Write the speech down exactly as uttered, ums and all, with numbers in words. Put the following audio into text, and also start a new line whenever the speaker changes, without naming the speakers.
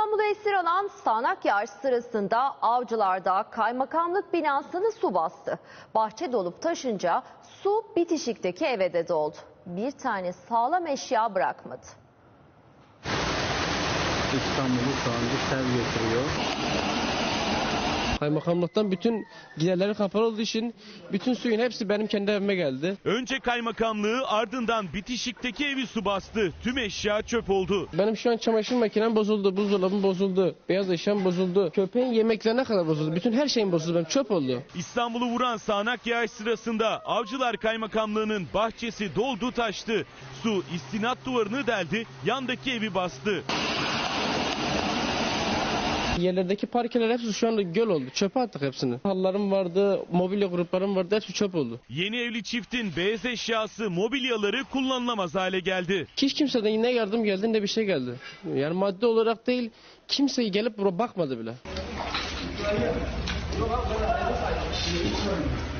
İstanbul'u esir alan sağanak yağış sırasında Avcılar'da kaymakamlık binasını su bastı. Bahçe dolup taşınca su bitişikteki eve de doldu. Bir tane sağlam eşya bırakmadı.
İstanbul'u şu anda sel getiriyor.
Kaymakamlıktan bütün giderleri kapalı olduğu için bütün suyun hepsi benim kendi evime geldi.
Önce kaymakamlığı, ardından bitişikteki evi su bastı. Tüm eşya çöp oldu.
Benim şu an çamaşır makinem bozuldu, buzdolabım bozuldu, beyaz eşyam bozuldu. Köpeğin yemeklerine kadar bozuldu. Bütün her şeyim bozuldu, benim çöp oldu.
İstanbul'u vuran sağanak yağış sırasında Avcılar Kaymakamlığı'nın bahçesi doldu taştı. Su istinat duvarını deldi, yandaki evi bastı.
Yerlerdeki parkeler hepsi şu anda göl oldu. Çöpe attık hepsini. Halılarım vardı, mobilya gruplarım vardı, hepsi çöp oldu.
Yeni evli çiftin beyaz eşyası, mobilyaları kullanılamaz hale geldi.
Hiç kimseden ne yardım geldi ne bir şey geldi. Yani maddi olarak değil, kimse gelip buraya bakmadı bile.